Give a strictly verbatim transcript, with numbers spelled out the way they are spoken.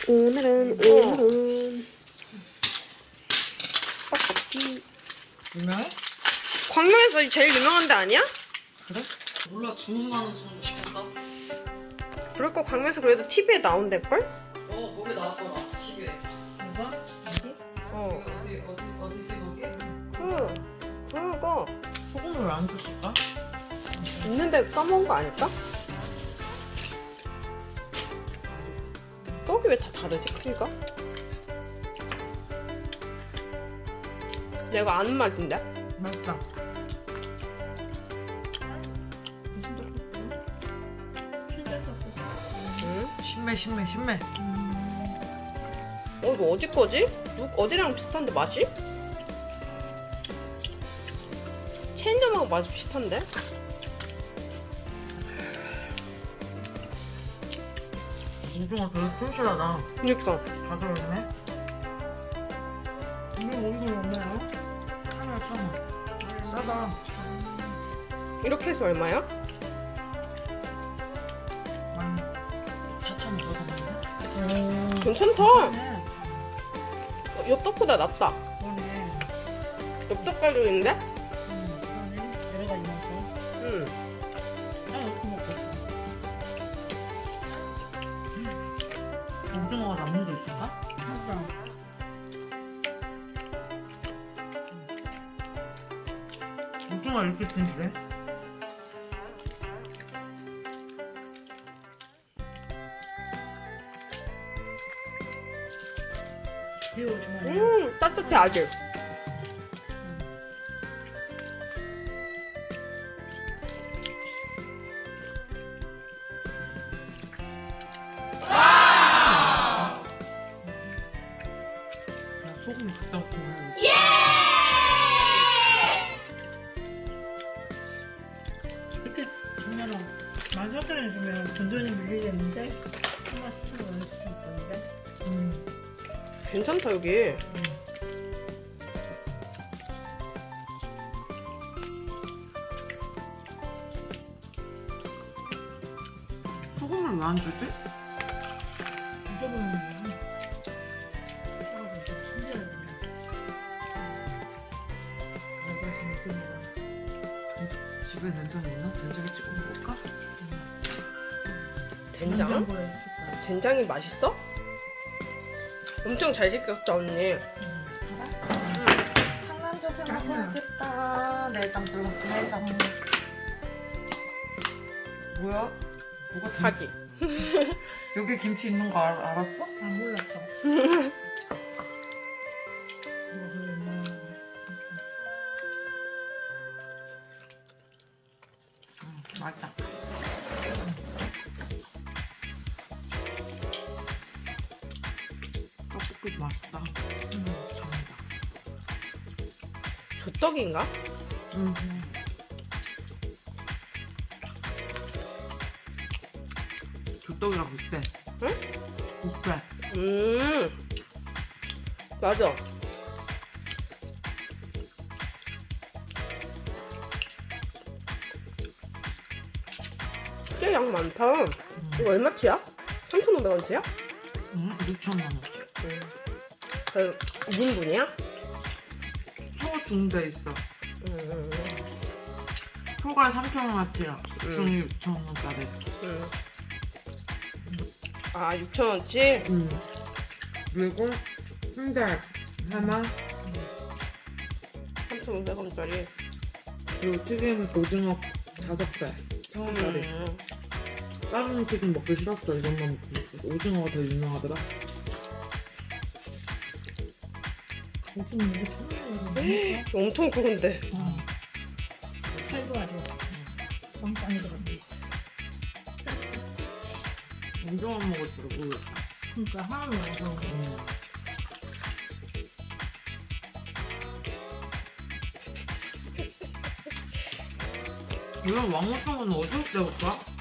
오늘은 오늘은 떡볶이. 유명해? 광명에서 제일 유명한 데 아니야? 그래? 몰라. 주문 많은 손 시켰다. 그럴 거 광명에서 그래도 티비에 나온댔걸? 어, 거기 나왔더라. 티비에. 누가? 어디? 어. 어디 어디 어디지 거기? 그 그거 소금을 왜 안 줬을까? 있는데 까먹은 거 아닐까? 떡이 왜 다 다르지 크기가? 내가 아는 맛인데? 맛있다. 무슨 떡볶이야? 실제 떡볶이. 응? 신매 신매 신매. 어 이거 어디 거지? 누- 어디랑 비슷한데 맛이? 체인점하고 맛이 비슷한데? 오징어 되게 튼실하다. 그니까 잘 들어있네. 이게 어디서 얼마야? 하나 천 원. 싸다. 이렇게 해서 얼마야? 만 사천 원 더 샀는데? 오. 괜찮다. 네. 어, 엽떡보다 낫다. 그러네. 엽떡 가격인데? 음, 그러네. 여러 가지 맛이. 응. 나 이렇게 먹고 있어. 오징어가 남는 게 있을까? 진짜. 오징어 이렇게 튼실해? 비오 주머니. 음 따뜻해 아직. 나 소금이 갖다 놓고. 이렇게 주면은 만 사천 원에 주면 든든히 밀리겠는데? 한마 십천 원에 주실 건데? 음. 괜찮다 여기. 소금을 왜 안 주지? 잊어버리는 거야. 하고 좀 신기하게. 알바생 느낌이야. 집에 된장 있나? 된장에 찍어 먹을까? 된장? 냉장고에 있을 거야. 된장이 맛있어? 엄청 잘 시켰다 언니. 창란젓에 먹어야겠다. 내장 플러스 내장. 뭐야? 뭐가 김- 사기. 여기 김치 있는 거 알, 알았어? 아 몰랐어. 이거 그랬나? 응, 맛있다. 떡볶이 맛있다. 음, 잘한다. 조떡인가? 음. 조떡이랑 국대. 응? 국대. 음 맞아. 꽤 양 많다. 이거 얼마치야? 삼천오백 원치야? 응, 육천만 원. 음. 그 이 인분이야? 소 중대 있어. 음, 소가 삼천 원어치야. 음. 중이 육천 원짜리. 음. 아 육천 원치? 응. 그리고 순대 하나. 삼천오백 원짜리. 그리고 튀김 오징어 다섯 배. 천 원짜리. 음. 다른 튀김 먹기 싫었어. 이것만 먹고 싶어. 오징어가 더 유명하더라. 요즘 이게 천원이거든. 엄청 크은데. 살도 아주 빵빵이 들었네. 오징어 먹을 줄 모르겠다. 그러니까 하나 먹어서 음. 이런 왕호탕은 어디서 때울까?